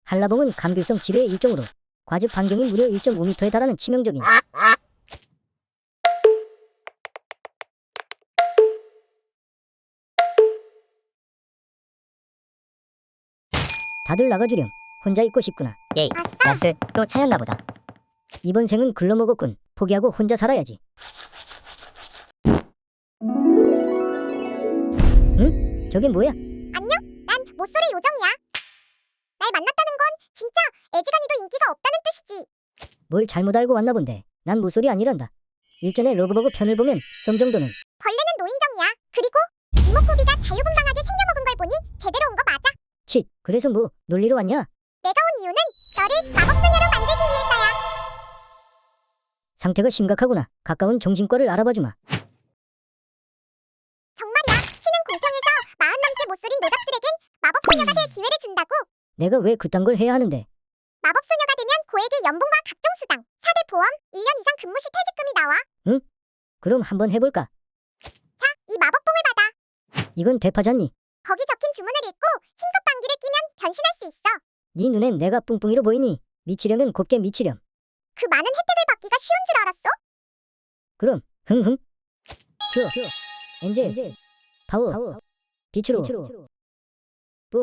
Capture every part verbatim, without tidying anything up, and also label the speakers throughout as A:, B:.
A: 한라봉은 감귤성 지뢰의 일종으로 과즙 반경이 무려 일 점 오 미터에 달하는 치명적인 다들 나가주렴. 혼자 있고 싶구나.
B: 예이, 야스 또 차였나 보다.
A: 이번 생은 글러먹었군. 포기하고 혼자 살아야지. 응? 저게 뭐야?
C: 안녕? 난 모쏠의 요정이야. 날 만났다는 건 진짜 애지간히도 인기가 없다는 뜻이지.
A: 뭘 잘못 알고 왔나 본데. 난 모쏠이 아니란다. 일전에 러브버그 편을 보면 썸 정도는.
C: 벌레는 노인정이야. 그리고 이목구비가 자유분방하게 생겨먹은 걸 보니 제대로 온 거 맞아.
A: 치, 그래서 뭐 놀리러 왔냐?
C: 내가 온 이유는 너를 마법소녀로 만들기 위해서야.
A: 상태가 심각하구나. 가까운 정신과를 알아봐주마.
C: 정말이야. 치는 공평에서 마흔 넘게 못소린 노답들에겐 마법소녀가 될 기회를 준다고.
A: 내가 왜 그딴 걸 해야 하는데?
C: 마법소녀가 되면 고액의 연봉과 각종 수당, 사대 보험, 일 년 이상 근무 시 퇴직금이 나와.
A: 그럼 한번 해볼까?
C: 자, 이 마법봉을 받아.
A: 이건 대파잖니.
C: 거기 적힌 주문을 읽고 힘껏 방귀를 끼면 변신할 수 있어.
A: 네 눈엔 내가 뿡뿡이로 보이니? 미치려면 곱게 미치렴.
C: 그 많은 혜택을 받기가 쉬운 줄 알았어?
A: 그럼 흥흥 큐 엔젤 파워 빛으로 뿡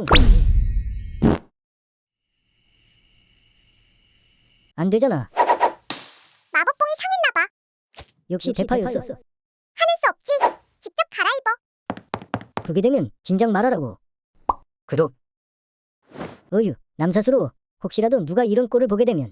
A: 안되잖아.
C: 마법봉이 상했나봐.
A: 역시 대파였어.
C: 하는 수 없지. 직접 갈아입어.
A: 그게 되면 진작 말하라고.
B: 구독.
A: 어휴 남사스러워. 혹시라도 누가 이런 꼴을 보게 되면.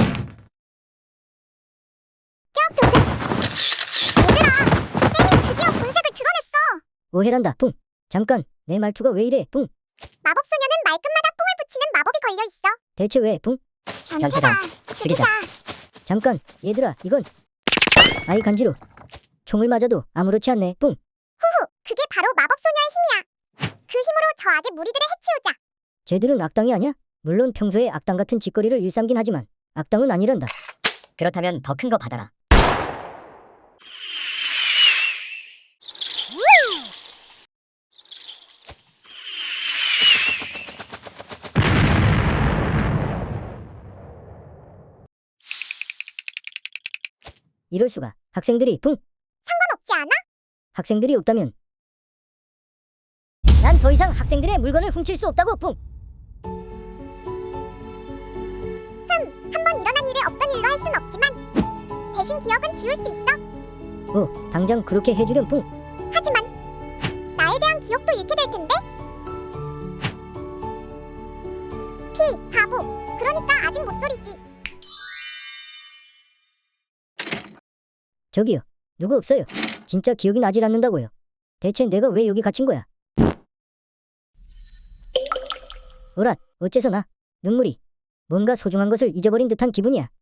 C: 얘들아, 쌤이 드디어 본색을 드러냈어.
A: 오해란다. 뿡 잠깐 내 말투가 왜 이래. 뿡
C: 마법소녀는 말끝마다 뽕을 붙이는 마법이 걸려있어.
A: 대체 왜. 뿡
B: 변태다. 죽이자.
A: 잠깐 얘들아 이건. 아이 간지러. 총을 맞아도 아무렇지 않네. 뿡
C: 후후, 그게 바로 마법소녀의 힘이야. 그 힘으로 저 악의 무리들을 해치우자.
A: 쟤들은 악당이 아냐? 물론 평소에 악당 같은 짓거리를 일삼긴 하지만 악당은 아니란다.
B: 그렇다면 더 큰 거 받아라.
A: 이럴 수가. 학생들이. 뿡
C: 상관없지 않아?
A: 학생들이 없다면 난 더 이상 학생들의 물건을 훔칠 수 없다고. 뿡
C: 한번 일어난 일을 없던 일로 할 순 없지만 대신 기억은 지울 수 있어.
A: 어, 당장 그렇게 해주렴. 뿡
C: 하지만 나에 대한 기억도 잃게 될 텐데. 피, 바보. 그러니까 아직 못소리지.
A: 저기요. 누구 없어요. 진짜 기억이 나질 않는다고요. 대체 내가 왜 여기 갇힌 거야? 어랏, 어째서 나? 눈물이. 뭔가 소중한 것을 잊어버린 듯한 기분이야.